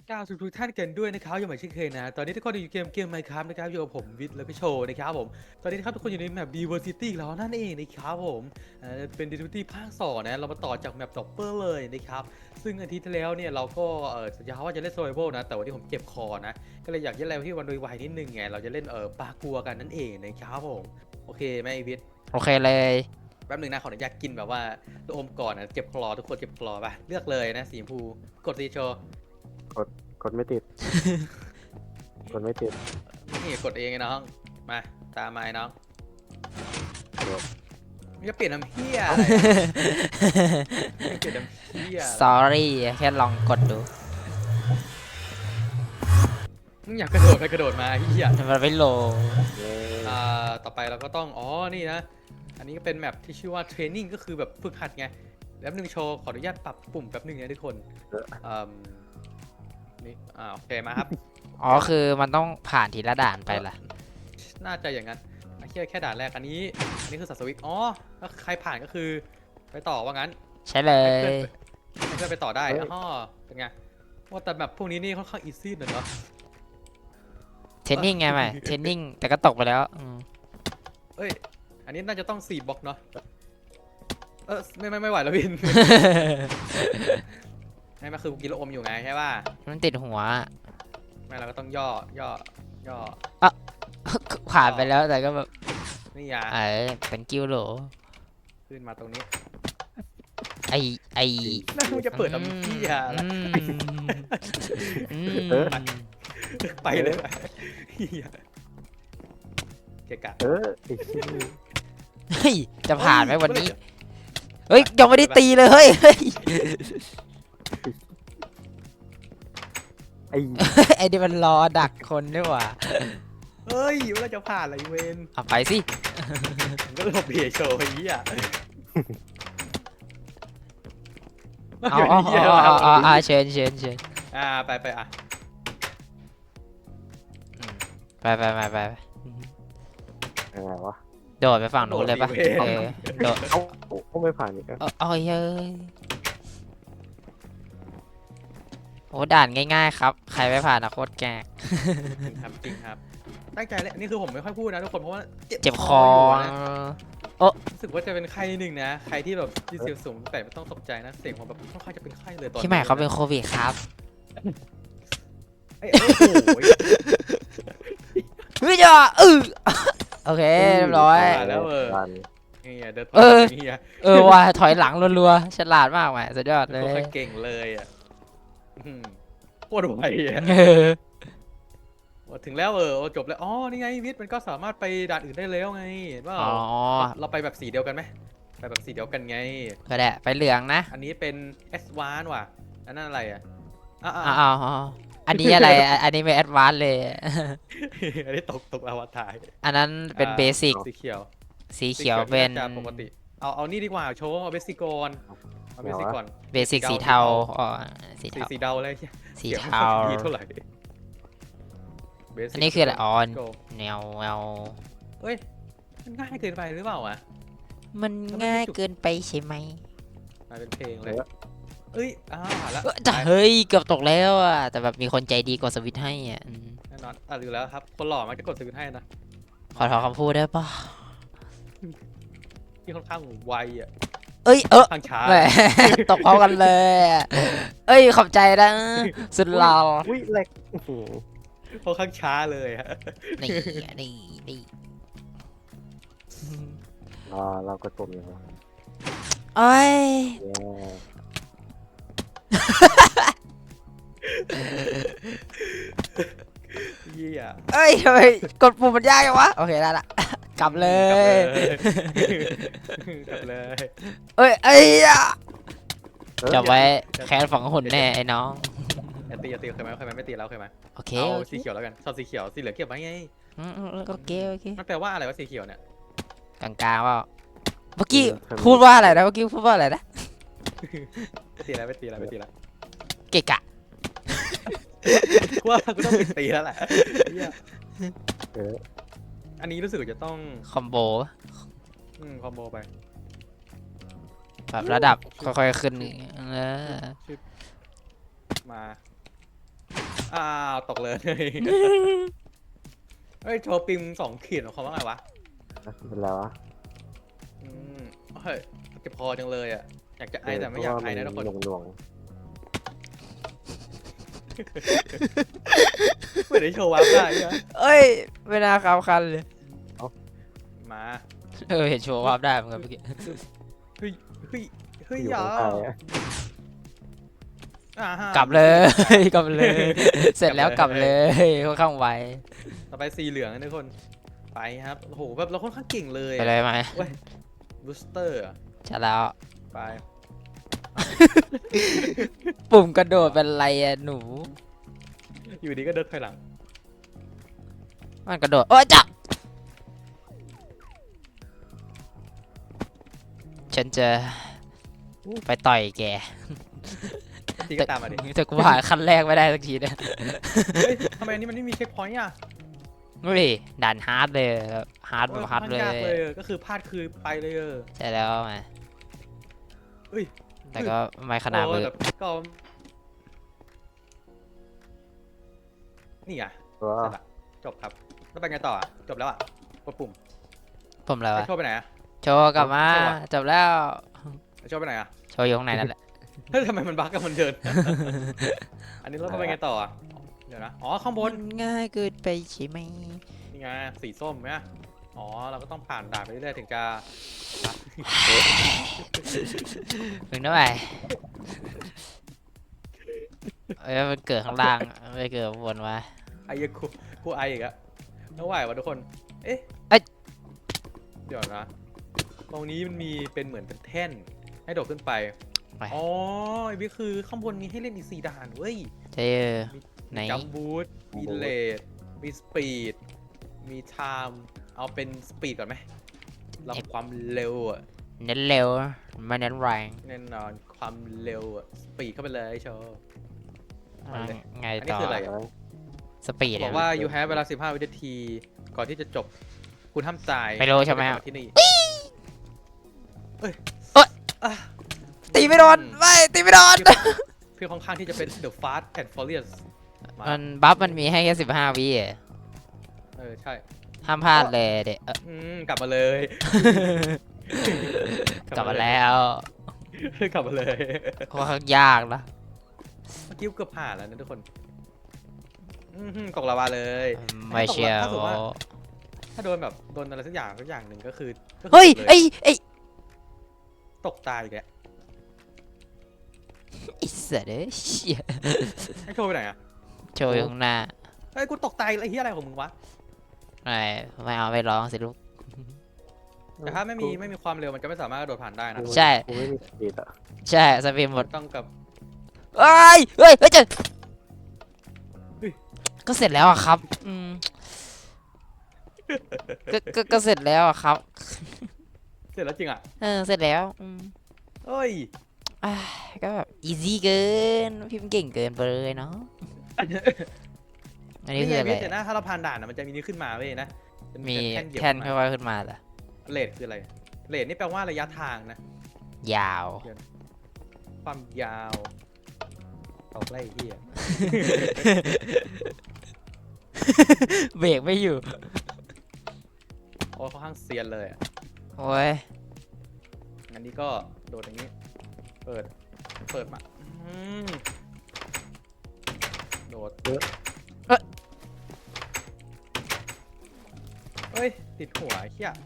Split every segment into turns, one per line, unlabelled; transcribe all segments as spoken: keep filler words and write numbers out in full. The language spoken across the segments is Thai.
ก้าวทุกท่านกันด้วยนะครับอย่างเหมือนเช่นเคยนะตอนนี้ทุกคนอยู่เกมเกมไมค์ครับนะครับอยู่กับผมวิทย์แล้วก็โชว์นะครับผมตอนนี้นะครับทุกคนอยู่ในแมป Diversity แล้วนั่นเองนะครับผมอ่าเป็น Diversity ภาคสองนะเรามาต่อจากแมป Dopper เลยนะครับซึ่งอาทิตย์ที่แล้วเนี่ยเราก็เออสัญญาว่าจะเล่น Survival นะแต่วันนี้ผมเจ็บคอนะก็เลยอยากเล่นอะไรที่วันโดยไวนิดนึงไงเราจะเล่นเออปลากัวกันนั่นเองนะครับผมโอเคไหมวิทย์
โอเคเลย
แป๊บหนึ่งนะขออนุญาตกินแบบว่าตัวอมก่อนนะเจ็บคลอทุกคนเจ็บคลอป่ะเลือกเลยนะสีชมพูกดสีโชว์
กดกดไม่ติด กดไม่ติด
นี่กดเองไงน้องมาตามมาไอ้น้อง
โดด
มึงจะเปลี่ยนน้ำเพี้ยอะไรมึงเปลี่ยนน้ำเพี้ย
sorry แค่ลองกดดู
มึงอยากกระโดดไปกระโดดมาเฮีย
มันไม่โหล
เย้
อ่าต่อไปเราก็ต้องอ๋อนี่นะอันนี้ก็เป็นแมปที่ชื่อว่าเทรนนิ่งก็คือแบบฝึกหัดไงแล้วหนึ่งโชว์ขออนุญาตปรับปุ่มแป๊บหนึงนะทุกคนอืมนี่อ่าโอเคมาครับ
อ๋อคือมันต้องผ่านทีละด่านไปล่ะ
น่าจะอย่างนั้นไอ้แค่แค่ด่านแรกอันนี้อันนี้คือสัตว์สวิตอ๋อถ้าใครผ่านก็คือไปต่อว่างั้น
ใช่เลย
ให้เพื่อนไปต่อได้อ๋อเป็นไงว่าแต่แบบพวกนี้นี่ค่อนข้างอีซี่หน่อยเนาะ
เทรนนิ่งไงไหมเทรนนิ่งแต่ก็ตกไปแล้วอืม
เอ้ยอันนี้น่าจะต้องสี่บล็อกเนาะเออไม่ไม่ไม่ไหวแล้ววิน ไม่มาคือกินแล้วอมอยู่ไงใช่ป่ะ
มันติดหัว
ไม่เราก็ต้องย่อย่อย่อ
ผ่านไปแล้วแต่ก็แบบ
นี่อ่ะ
เออเป็นกิ้วโหล
ขึ้นมาตรงนี้
ไอไอ
น่ามึงจะเปิดทำพี่อะ
อืมอืม
ไปเลยเหี้ยเกะกะ
เออไอ้ชิ้น
เฮ้ยจะผ่านไหมวันนี้ เฮ้ยยังไม่ได้ตีเลยเฮ้ยเฮ้ย
ไอ้
ไอ้นี่มันรอดักคนด้วยว่ะ
เฮ้ยเวลาจะผ่านอะไรเวน
เอาไปสิ
ผมก็หลบเบียโชว์ไอ้เหี้ย
เอาเอาเอาเอาเอาเอาเชิญเชิญเชิญ
อ่าไปไปอ่ะ
อืมไปไปไปไปไป
ยังไงวะ
โดดไปฝั่งนู้นเลยปะเออโดด
เอ้าโอ้ก็ไม่ผ่านอีกอะ
เอาเอาเฮ้ยโอ้ด่านง่ายๆครับ ใครไม่ผ่านนะโคตรแกก
จริงครับจริงครับตั้งใจเลยอันนี้คือผมไม่ค่อยพูดนะทุกคนเพราะว่า
เจ็บคอ
ยู่นะรู้สึกว่าจะเป็นไข้นิดนึงนะใครที่แบบที่เสียงสูงแต่ไม่ต้องตกใจนะเสียงผมแบบค่อนข้างจะเป็นไข้เลยตอนนี้
พี่ใหม่เขาเป็นโควิดครับ
เอ้ยโอ้โห
เฮ้ยจ้าเออโอเคเรียบร้อย
ผ่านแล้วเออ
ผ่าน
นี่ไงเดิน
เออ
นี่ไง
เออว่ะถอยหลังรัวๆฉลาดมากแหมสุดยอดเล
โคตร
ย
เก่งเลยอ่ะอืมโคตรไวอ่ะ
เออ
ว่าถึงแล้วเออจบแล้วอ๋อนี่ไงวิทย์มันก็สามารถไปด่านอื่นได้แล้วไงเห็นเปล่า
อ๋อ
เราไปแบบสีเดียวกันไหมไปแบบสีเดียวกันไง
ก็ได้ไปเหลืองนะ
อันนี้เป็น เอส วาน ว่ะอันนั้นอะไรอ่ะอ่า
อ้าวอ้าวอ้าวอันนี้อะไรอ่ะอันนี้เป็นแอดวานซ์เลย
อันนี้ตกตกอวตาร
อันนั้นเป็น
อ่า
เบสิก
สีเขียว
สีเขียวเป็น
จะปกติเอาเอานี่ดีกว่าโชว์เอาเบสิกก่อนเอาเบสิกก่อน
เบสิกสีเทาอ๋อสี
สี
เทา
สีเดาเลย
สี
สียง
เทา
ไม่ค่อยดีเท่าไหร่ Basic
อันนี้คืออะไรอ๋อ
Go
แนวแนว
เฮ้ยมันง่ายเกินไปหรือเปล่าอ่ะ
มันง่ายเกินไปใช่ไหม
มาเป็นเพลงเลยเอ้ยอ่าผ่านแล้ว
เอ้ยแต่เฮ้ยเกือบตกแล้วอ่ะแต่แบบมีคนใจดีกดสวิตช์ให้อ่ะอืม
แน่นอนอ่ะอยู่แล้วครับคนหล่อมันจะกดสวิตช์ให้นะ
ขอถอนคำพูดได้ปะ
ที่ค่อนข้างไวอ่ะ
เอ้ยเออ
ข้างช้า
แหม ตกพร้อมกันเลยอะเอ้ยขอบใจนะสุดหล่อ
อุ้ยแหลกอื้อหือ
ค่อนข้างช้าเลยฮะ
นี่นี่นี่
รอเราก็ตุ่มอยู่นะ
โอ้ย
เย้
เยี่ย
เอ้ยทำไมกดปุ่มมันยากจังวะโอเคได้ละกลับเลย
กลับเลย
เอ้ยเอ้ยอะ
เออ
จะไว้แค้นฝังหุ่นแน่ไอ้น้อง
อย่าตีอย่าตีเคยไหมเคยไหมไม่ตีแล้วเคยไหม
โอเค
เอา
โอเค
สีเขียวแล้วกันชอบสีเขียวสีเหลืองเก็บไว้ไง
อืมอืมโอเคโอเค
มันแปลว่าอะไรวะสีเขียวเนี่ย
กลางๆว่าเมื่อกี้พูดว่าอะไรนะเมื่อกี้พูดว่าอะไรนะ
ไม่ตีแล้วไม่ตีแล้วไม่ตีแล้ว
เกะกะ
ว่ากูต้องไปตีแล้วแหละเหี้ย
เออ
อันนี้รู้สึกว่าจะต้อง
คอมโบ
อืมคอมโบไป
แบบระดับค่อยๆขึ้นเออ
ชึบมาอ้าวตกเลยเฮ้ยโชว์ปิมสองขีดของเขาว่าไงวะ
เป็นแล้วะ
อืมเฮ้ยเจ็บคอจังเลยอ่ะอยากจะไอแต่ไม่อยากไอนะทุกคน
หน่วงหน่วง
ไม่ได้โชว์วับได้นะ
เอ้ยไม่น่าขับคันเลย
มา
เออเห็นโชว์ภาพได้เหมือนกันเมื่อกี้
เฮ้ยเฮ้ยเฮ้ย
อยู่
อย่า
ข้างใต้อะ
อ่าฮะ
กลับเลย กลับเลย เสร็จแล้วกลับเลยค่อนข้างไว
ต่อไปสีเหลืองนะทุกคนไปครับโอ้โหแบบเราค่อนข้างเก่งเลย
ไปเลยไหม
เว้ยบูสเตอร์
จะแล้ว
ไป
ปุ่มกระโดดเป็นไรอะหนู
อยู่ดีก็เดินถอยหลัง
มันกระโดดโอ้ยจ้ะฉันจะไปต่อยแก
ทีก็ตามมาดิ
แต่กูผ่านขั้นแรกไม่ได้สักทีเนี่ย
เฮ้ยทำไมอันนี้มันไม่มีเช็คพอยต์อ่ะ
ดูดิด่านฮาร์ดเลยฮาร์ด
โอ้
แบบ
ย
ฮาร์ด
ค่อน
เล
ข้าง
ย
ยากเลยอะก็คือพลาดคือไปเลยเออ
ใช่แล้วมา
เฮ้ย
แต่ก็ไม่ขนาด
โอ้
มือ
แบบก็นี่ไง
ว้า
เสร็จละจบครับแล้วไปไงต่ออะจบแล้วอ่ะกดปุ่ม
ผมแล้ว
ไอ
อะ
โชว์ไปไหนอ่ะ
โชว์กลับมา
โชว์อะ
จบแล้ว
ไอโชว์ไปไหนอ่ะ
โชว์อยู่ข้างในนั่นแหละ
เฮ้ยทำไมมันบั๊กกับมันเดิน อันนี้เราต้องไปไงต่ออะเดี๋ยวนะอ๋อข้างบน
ง่ายเกินไปใช่ไหม
นี่ไงสีส้มไหมอ๋อเราก็ต้องผ่านด่านไปเรื่อยๆถึงจะ
มึงน้อยเอ้ยมันเกิดข้างล่างไม่เกิดข้างบนวะ
ไอ้เหี้ยกูกูไออีกอะไม่ไหววะทุกคน เอ๊ะ
เอ้ย
เดี๋ยวนะ ตรงนี้มันมีเป็นเหมือนเป็นแท่น ให้โดดขึ้นไป
ไป
อ๋อไอ้บิ๊กคือข้างบนมีให้เล่นอีกสี่ด่านเว้ย
เจอ ไหน
มีจัมบูทมีเลดมีสปีด มีไทม์เอาเป็นสปีดก่อนไหมเราความเร็วอะ
เน้นเร็วไม่เน้นแรง
แน่นอนความเร็วอะสปีดเข้าไปเลยโชว์ มาเลย
ไง
อันนี้
ต่อ
คืออะไร
สปีด
บอกว่า you have เวลาสิบห้าวินาที ก่อนที่จะจบ คุณห้ามตาย
ไม่รู้ใช่ไหม
ก่อนที่นี่เอ้ย
เอ้ย
อ่ะ
ตีไม่โดนไม่ตีไม่โดน
พี่ค่อนข้างที่จะเป็น the fast and furious มา
มันบัฟมันมีให้แค่สิบห้าวิอะ
เออ ใช่
ห้ามพลาดเลยเด็ก
อืมกลับมาเลย
กลับมาแล้ว
กลับมาเลย
ค่อนข้างยากนะ
เมื่อกี้เกือบผ่านแล้วนะทุกคนอือหือกล่องลาวาเลย
ไม่เชียว
ถ้าสมมติว่า ถ้าโดนแบบโดนอะไรสักอย่างสักอย่างหนึ่งก็คือก็คือ
เฮ้ย
จบล
ไอ้ไอ้
ตกตายอีกแล้ว
ไอ้สัตว์เอ้ยเชี่ย
ให้โชว์ไปไหนอ่ะ
โชว์อยู่ข้างหน้า
เฮ้ยกูตกตายไอ้เหี้ยอะไรของมึงวะ
ไม่ไม่เอาไม่ร้องสิลูก
แต่ถ้าไม่มีไม่มีความเร็วมันจะไม่สามารถกระโดดผ่านได้นะ
ใช่
กูไม่มีสปีดอ่ะ
ใช่สปีดหมด
ต้องกับ
เอ้ยเฮ้ยเฮ้ยเจะ
เฮ้ย
ก็เสร็จแล้วอะครับอืมก็ก็ก็เสร็จแล้วอะครับ
เสร็จแล้วจริงอ่ะ
เออเสร็จแล้วอืม
เอ้ย
อ่ะก็แบบอีซี่เกินพิมพ์เก่งเกินไปเลยเนาะอันนี้
นี่
คื
ไง
ออะไร
พี่แต่หน้าถ้าเราผ่านด่านนะมันจะมีนี้ขึ้นมาเว้ยนะจะ
มี
แท่นเหยียบ
แท่น
ขึ้น
ค่
มา
อยๆขึ้นมาเหรอ
เลทคืออะไรเลทนี่แปลว่าระยะทางนะ
ยาว
ความยาวตกไล่เหี้ย
เบรกไม่อยู่
โอ้ค่อนข้างเซียนเลยอะ
โอ้ย
อันนี้ก็โดดอย่างนี้ เปิด เปิดมาอืมโดด
เอ๊ะ
เฮ้ย ติดหัวไอ้เหี้ย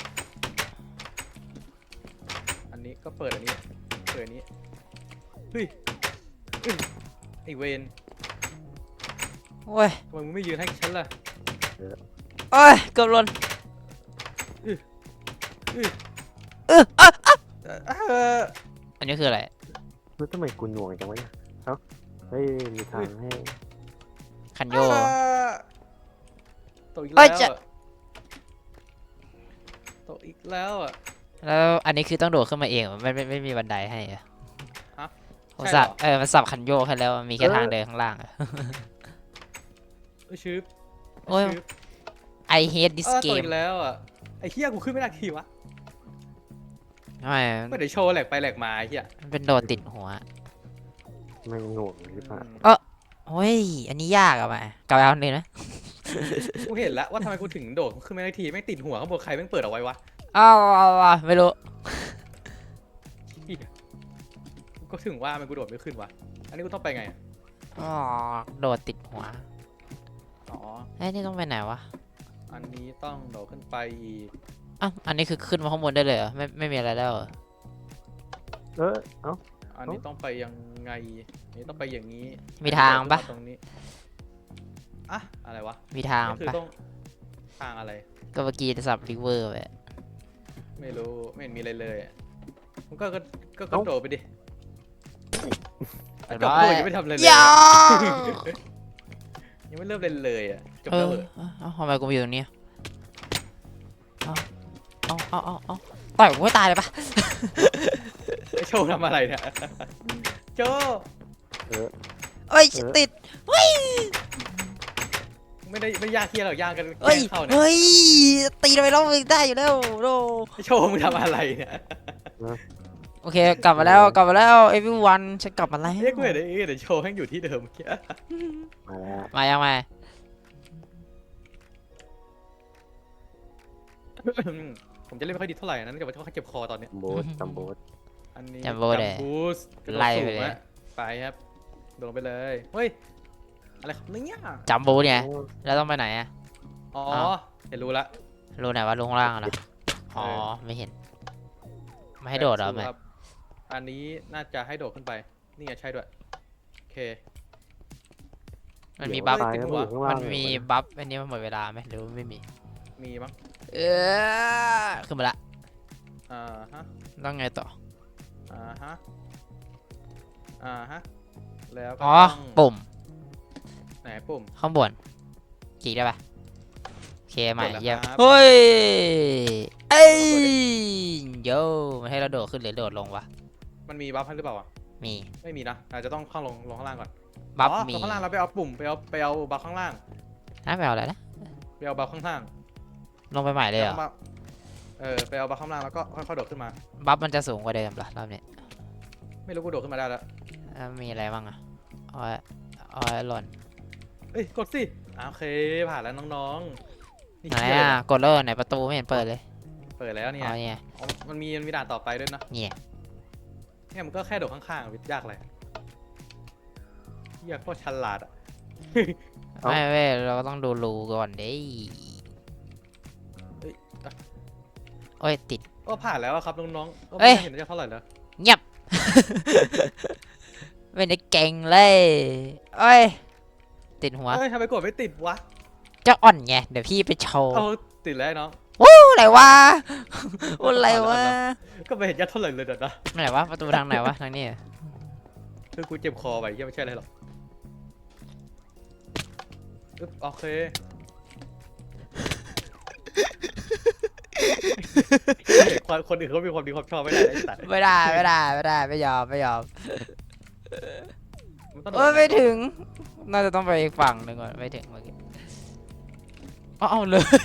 อันนี้ก็เปิดอันนี้ เปิดอันนี้ เฮ้ยเฮ้ยไอเวน
โอ้ย
ทำไมมึงไม่ยืนให้ฉันล่ะ
โอ้ยเกือบหล่น
อื้ออื้อ
เอออ่ะ
เออ
อันนี้คืออะไร
แล้วทำไมกูหน่วงจังวะเนี่ยเอ้าเฮ้ยมีทางให้
คันโย
อ่าตกอีก
เอ้
แล้
ยว จะ
อะตกอีกแล้วอ่ะ
แล้วอันนี้คือต้องโดดขึ้นมาเองเหรอไม่ไม่ไม่มีบันไดให้เหรอ
ฮะ
ผม
ใช่เหรอ
สับเออมันสับคันโยกให้แล้วมีแค่ทางเดินข้างล่างอะ
เอ้ยชืบ
โอ้ย
ชืบ
I hate this
เออตก
game
อีกแล้วอ่ะไอ้เหี้ยกูขึ้นไม่ได้ทีวะ
ทำไม
ไม่ได้โชว์แหลกไปแหลกมาไอ้เหี้ย
มันเป็นโดดติดหัว
ไม่งหน่วงหรือเปล่า
อืม
โอ้ยอันนี้ยากอะมากลับไปเอาหนึ่งนะ
กูเห็นแล้วว่าทำไมกูถึงโดดขึ้นไม่ได้ทีแม่งติดหัวข้างบนใครแม่งเปิดเอาไว้วะ
อ้าวอ้าวอ้าวไม่รู้
เหี้ยก็ถึงว่ามันกูโดดไม่ขึ้นวะอันนี้กูต้องไปไงอะ
อ๋อโดดติดหัว
อ๋อ
ไอ้ยนี่ต้องไปไหนวะ
อันนี้ต้องโดดขึ้นไปอีก
อ้าวอันนี้คือขึ้นมาข้างบนได้เลยเหรอไม่ไม่มีอะไรแล้วเหรอ
เออเอ้า
อันนี้ต้องไปยังไงอันนี้ต้องไปอย่างนี้
มีทางปะ
ตรงนี้อะอะไรวะ
มีทาง
ก็คือ
ปะ
ต้องทางอะไร
ก็เมื่อกี้สับริเวอร์ไป
ไม่รู้ไม่เห็นมีอะไรเลยอะมันก็ก็ก็กระโดดไปดิจบเลยยังไม่ทำอะไรเลย
ยา
ยังไม่เริ่มเล่นเลยอ่ะจบ
เอ
แล้ว
อ
เหรอ
เอ้าทำไมกูมาอยู่ตรงนี้เอาเอาเอาเอาเอาต่อยกูไม่ตายเลยปะ
ไอ้โชว์ทำอะไรเนี่ยโชว์
เออ
เอ้ย
เออ
ติด
ไม่ได้ไม่ยากเที่ยหรอกยากกันแก
เฮ้
ล้
ย
งเข้าเนี่ย
เฮ้ยตีทำไมเราได้อยู่แล้วโด
ไอ้โชว์มึงทำอะไรเนี่ย
โอเคกลับมาแล้วกลับมาแล้ว everyone ฉันกลับมาแล้ว
เอ้ยกูเห็นไอ้เดี๋ยวโชว์แม่งอยู่ที่เดิมเมื่อกี้
มาแล้ว
มายังไง
ผมจะเล่นไม่ค่อยดีเท่าไหร่นะเนื่องจากว่าเขาเจ็บคอตอนเนี้ย
โบสจัมโบส
อันนี้
จัมโบ้เลย
บูสกระโดด
ไล่
สู
ไป
ง
เลย
อะไปครับโดดไปเลยเฮ้ยอะไรครับเนี่ย
จัมโบ้เนี่ย
โอ้
แล้วต้องไปไหนอะ
อ๋อ
อ้าว
เห็นรู้ละ
รู้ไหนว่าลงข้างล่างอะเหรออ๋อไม่เห็น ไม่ให้โดดเหรอ
แบบ
แม่
ครับอันนี้น่าจะให้โดดขึ้นไปนี่ไงใช่ด้วยโอเค
มันมี
เดี๋ยว
บัฟ
ตาย
ติด
แล้ว
หัว
อยู่ข้างล่าง
มันมีบัฟอันนี้มันหมดเวลาไหมหรือว่าไม่มี
มีมั้ง
เออขึ้นมาละ
อ่าฮะ
ต้องไงต่อ
อ่าฮะอ่าฮะแล้วก็
อ๋อ
ต้อง
ปุ่ม
ไหนปุ่ม
ข้างบนจีได้ปะโอเคใหม่
กดแล้ว
เยี่ยม
ครับ
เฮ้ยเอ้ยโย่มันให้เราโดดขึ้นหรือโดดลงวะ
มันมีบัฟให้หรือเปล่าอ่ะ
มี
ไม่มีนะอาจจะต้องเข้าลงลงข้างล่างก่อน
บัฟ
อ๋อ
มี
ลงข้างล่างเราไปเอาปุ่มไปเอาไปเอาบัฟข้างล่าง
น่าไปเอาอะไรนะ
ไปเอาบัฟข้างล่าง
ลงไปใหม่เลยเหรอ
แล้วก็มาเออไปเอาบัฟข้างล่างแล้วก็ค่อยๆโดดขึ้นมา
บัฟมันจะสูงกว่าเดิมเหรอรอบนี้
ไม่รู้กูโดดขึ้นมาได้แล้ว
แล้วมีอะไรบ้างอะออยออยหล่น
เอ้ยกดสิอ่าโอเคผ่านแล้วน้องๆนี่
ไหน
เหี้ย
อะ
เลย
กดเลยไหนประตูไม่เห็นเปิดเลย
เปิดแล้วเนี่ย
อ๋อเนี่ย
อ๋อมันมีมันมีด่านต่อไปด้วยนะ
เนี่ย
เนี่ยมันก็แค่โดดข้างๆวิทยากอะไรเฮียโคตรฉลาดอ่ะ
ไม่เว้ยเราก็ต้องดูรูก่อนเด้
เอ้ยอ่ะ
โอ้ยติด
ก็ผ่านแล้วอะครับน้องๆก็
เอ้
ไม่
ย
เห็นจะเท่าไหร่แล้ว
เงียบ ไม่ได้เก่งเลยเอ้ยติดหัว
เอ้ยทำไมกดไม่ติดวะ
เจ้าอ่อนไงเดี๋ยวพี่ไปโชว์
เอาติดแล้วน้อง
วู้อะไรวะวู้อะไรวะ
ก็ไม่เห็นจะเท่าไหร่เลยเดี๋ยวนะ
ไหนวะประตูทางไหนวะทางนี้เหรอ
คือกูเจ็บคอไปเฮียไม่ใช่อะไรหรอกอึ๊บโอเคคนคนอื่นเขามีความดีความชอบไม่ได้ไอ้สัตว์
ไม่ได้ไม่ได้ไม่ได้ไม่ยอมไม่ยอม
มันต้องโด
เอ้ย
ด
ไม่ถึง น่าจะต้องไปอีกฝั่งหนึ่งก่อนไม่ถึงเมื่อกี้เอาเอาเลย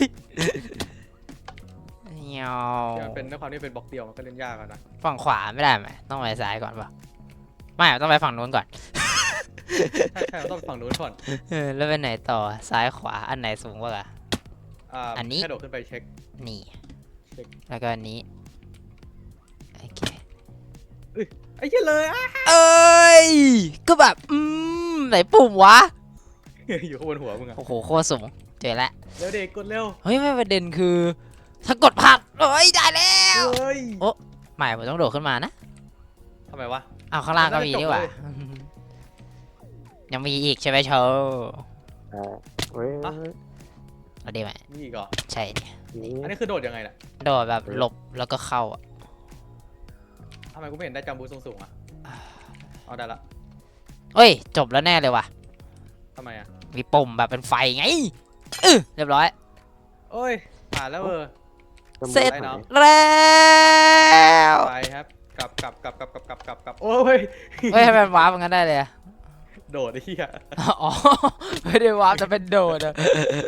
เงี้ยว
ที่มันเป็นด้วยความที่เป็นบล็อกเดียวมันก็เล่นยากอะนะ
ฝั่งขวาไม่ได้ไหมต้องไปซ้ายก่อนป่ะไม่ต้องไปฝั่งนู้นก่อน
ใช่ใช่เราต้องฝั่งนู้นก่อน
เออแล้วไปไหนต่อซ้ายขวาอันไหนสูงกว่ากัน
อ่า
อันนี้
แค่โดดขึ้นไปเช็ค
นี่
เช็ค
แล้วก็อันนี้โอเค
ไอ้เหี้ยเลยอ่ะ
เอ้ยก็แบบอืมไหนปุ่มวะ
อยู่ข้างบนหัวมึงอะ
โอ้โหโคตรสูงเจอแล้ว
เร็วเด็กกดเร็ว
เฮ้ยไม่ประเด็นคือ ถ้ากดพลาดเอ้ยได้แล้ว
เฮ้ย
ไม่ผมต้องโดดขึ้นมานะ
ทำไมวะ
เอาข้างล่างก็มี
มันน่าจะ
นี่หว่า
จบเลย
ยังมีอีกใช่ไหมโชว์
อ่าเฮ้ย
อ่ะ
เอาดีไหม
นี่อีกเหรอ
ใช่เนี่ย
นี่
อันนี้คือโดดยังไงน่ะ
โดดแบบหลบแล้วก็เข้าอ่ะ
ทำไมกูไม่เห็นได้จัมบูสูงสูงๆอ่ะเอาได้ละ
เอ้ยจบแล้วแน่เลยว่ะ
ทำไมอ่ะ
มีปุ่มแบบเป็นไฟไงเออเรียบร้อย
โอ้ยผ่านแล้วเออ
จัมโบ้
เสร็จ
ไหน
แล้ว
ไปครับกลับกลับกลับกลับกลับกลับกลับกลับโอ้ย
เฮ้ยทำไมมันวาร์ปมันกันได้เลยอะ
โดดไอ้เหี้ย
อ๋อไม่ได้วาร์ปจะเป็นโดดอะ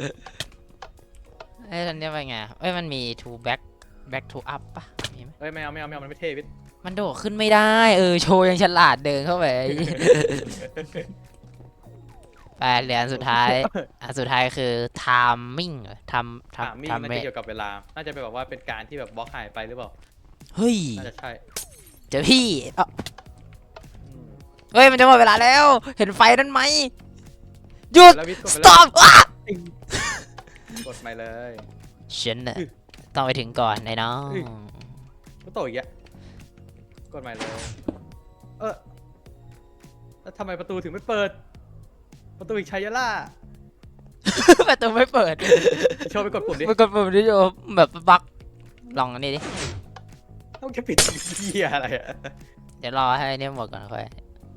เอ้ยอันเนี้ยเป็นไงเอ้ยมันมี to back back to up ปะมีไหม
เอ้ยไม่เอาไม่เอาไม่เอามันไม่เท่วิทย์
มันโดดขึ้นไม่ได้เออโชว์ยังฉลาดเดินเข้าไปไปเหรียญสุดท้ายอันสุดท้ายคือ timing เหรอทำ
ถาม
ทำ
มิ่ง
ทำ
น่า
เม
จะเกี่ยวกับเวลา น่าจะเป็นแบบว่าเป็นการที่แบบบล็อกหายไปหรือเปล่า
เฮ้ย
น่าจะใช่
เจอพี่เอ้า
อืม
เฮ้ยมันจะหมดเวลาแล้ว เห็นไฟนั่นไหมหยุด
แล้ววิทย์กดไปเลย
stop อ่ะ
กดไปเลย
ฉันน่ะต้องไปถึงก่อนไอ้น้อง
ก็โตอีกอ่ะกดใหม่เลย เออแล้วทำไมประตูถึงไม่เปิด ประตูอีกชัยยะล่า
ประตูไม่เปิด
โชว์ไปกดปุ่มดิ
ไปกดปุ่มดิโอแบบบั๊กลองอันนี้ดิ
ต้องแค่ปิดเหี้ยอะไรอ่ะ
เดี๋ยวรอให้เนี่ยหมดก่อนค่อย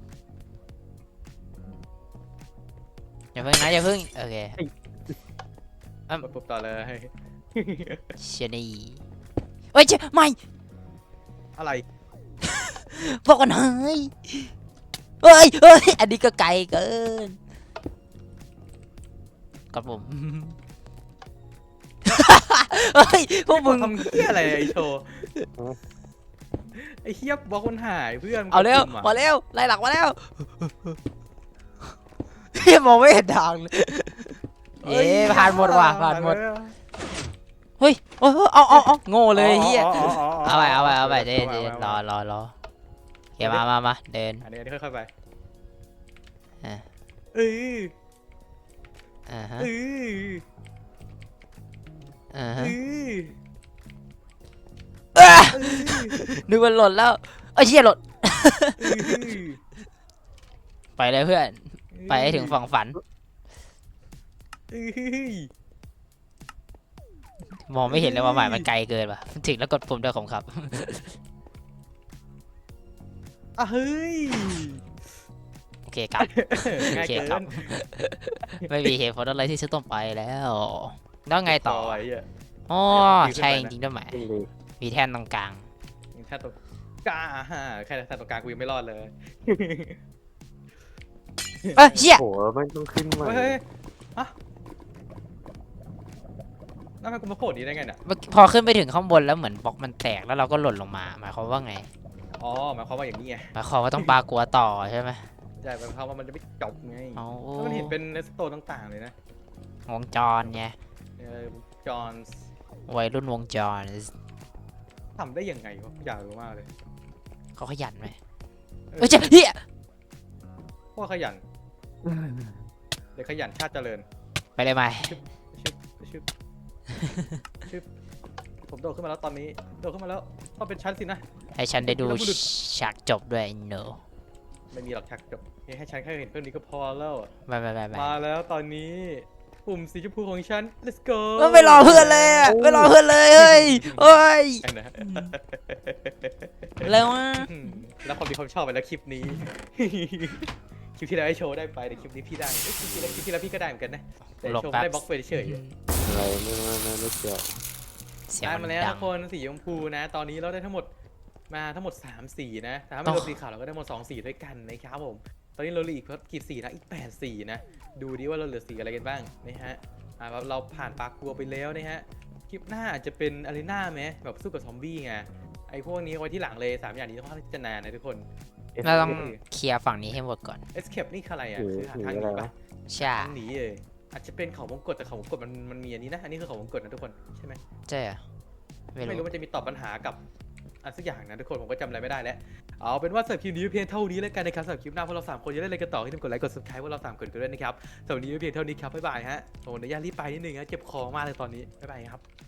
อย่าเพิ่งนะอย่าเพิ่งโอเค
กดปุ่มต่อเลย
เชยนี่เฮ้ยเจ๊ไม่
อะไร
บอกกันเฮ้ยเฮ้ยเฮ้ยอันนี้ก็ไกลเกินกับผม เฮ้ยพวกมึง
ทำเหี้ยอะไรไอ้โชว์ ไอ้เฮียบล็อกมันหายเพื่อน
เอาเร็ว
กดปุ่ะ
มาเร็วไล่หลักมาแล้วเฮ้ยมองไม่เห็นทางเลยเอ๊ะผ่านหมดว่ะผ่านหมดเฮ้ยเฮ้ยเอาเอาเอาโง่เลยเฮีย
อ๋ออ๋ออ๋อ
เอาไปเอาไปเอาไปเดี๋ยว
า
เดี๋ยว
าร
อรอรอโอเคมามามาเดิน
อันนี้อันนี้ค่อยๆไป
อ่ะ
เออ
อ่าฮะ
เออ
อ่า
เอ
ฮะ
อ
อ่ะ
เออ
นึกว่าหล่นแล้วเอ้ยเชี่ยหล่น
เออ
ไปเลยเพื่อนไปให้ถึงฝั่งฝัน
เออ
มองไม่เห็นเลยว่าหมายมันไกลเกินว่ะถึงแล้วกดปุ่มด้วยผมครับ
อ่ะเฮ้ย
โอเคครับ
ง่าย
โอเค
เกิ
ครับ
น
ไม่มีเหตุผลอะไรที่จะต้องไปแล้ว แล้วไงต่อ
ไว้อ่ะ
อ๋อ
ขึ้นไปนะ
ใช่จริงๆด้วยไหม
จริงดิ
มีแท่นตรงกลาง
แค่ตัวกล้าฮะแค่แค่ตัวกลางกูยังไม่รอดเลย
เอ้ยเชี่ย
โอ้โหไม่ต้องขึ้นมา
เฮ้ยฮะแล้วทำไมกูมาโผล่นี้ได้ไงเนี่ย
พอขึ้นไปถึงข้างบนแล้วเหมือนบล็อกมันแตกแล้วเราก็หล่นลงมาหมายความว่าไง
อ๋อหมายความว่าอย่างนี้ไง
หมายความว่าต้องปลากลัวต่อใช่ไหม
ใช่หมายความว่ามันจะไม่จบไง
เอา
แล้วมันเห็นเป็นเนสโตต่างๆเลยนะ
วงจรไง
เออจอห์น
วัยรุ่นวงจร
ทำได้ยังไงวะอยากรู้มากเลย
เขาขยันไหม
เออ
เอ้ยเจ๊เฮีย
พวกขยันเด็กขยันชาติเจริญ
ไปเลยไหม
ชึบชึบชึบผมโดดขึ้นมาแล้วตอนนี้โดดขึ้นมาแล้วต้องเป็นชั้นสินะ
ให้ฉันได้ดู
แล้วบุรุษ
ฉากจบด้วยเนอะ
ไม่มีหลักชักจบให้ฉันแค่เห็นเพื่อนนี้ก็พอแล้วอะ
ไปไปไปไป
มาแล้วตอนนี้ปุ่มสีชมพูของฉัน let's go
ไม่รอเพื่อนเลยอะไม่รอเพื่อนเลยเฮ้ยเฮ้ย
ไอ้นะ
เร็วอ่ะ
อืมแล้วความดีความชอบไปแล้วคลิปนี้ คลิปที่แล้วให้โชว์ได้ไปแต่คลิปนี้พี่ได้เอ้ยคลิปที่แล้วคลิปที่แล้วพี่ก็ได้เหมือนกันนะแต่
หลบ
โชว์
แป๊บ
ได้บล็อกไปเฉย
อะไรไม่ไม่ไม่ไม่เกี่ยว
เสียง
ได้
มั
มาน แล้ว
ดั
ทุ
ง
กคนสีชมพูนะ ตอนนี้เราได้ทั้งหมดมาทั้งหมดสามสีนะแต่ถ้าไม่รวมสีขาวเราก็ได้หมดสองสีด้วยกันนะครับผมตอนนี้เราเหลืออีกกี่สีนะอีกแปดสีนะดูดิว่าเราเหลือสีอะไรกันบ้างนะฮะอ่าเราผ่านปากกลัวไปแล้วนะฮะคลิปหน้าอาจจะเป็นอารีนาไหมแบบสู้กับซอมบี้ไงไอ้พวกนี้เอาไว้ที่หลังเลยสามอย่างนี้ต้องค่อนข้างที่จะนานนะทุกคน
เราต้องเคลียร์ฝั่งนี้ให้หมดก่อน
escape นี่คืออะไรอ่ะ
หนี
คือหา
หนี
ทางห
อะไร
นีปะ
วะ
ใช่
ทางหนีเลยอาจจะเป็นเขาวงกตแต่เขาวงกตมันมันมีอันนี้นะอันนี้คือเขาวงกตนะทุกคนใช่ไหม
ใช่อะไม่
ไม่
รู้
รู้มันจะมีตอบปัญหากับอะไรสักอย่างนะทุกคนผมก็จำอะไรไม่ได้แล้วเอาเป็นว่าสำหรับคลิปนี้เพียงเท่านี้แล้วกันนะครับสำหรับคลิปหน้าพวกเราสามคนจะได้อะไรกันต่อให้ทุกคนกดไลค์กด subscribe พวกเราสามคนกันด้วยนะครับสำหรับวันนี้เพียงเท่านี้ครับบ๊ายบายฮะโอ้ยเดี๋ยวย่ารีบไปนิดนึงนะเจ็บคอมากเลยตอนนี้บ๊ายบายครับ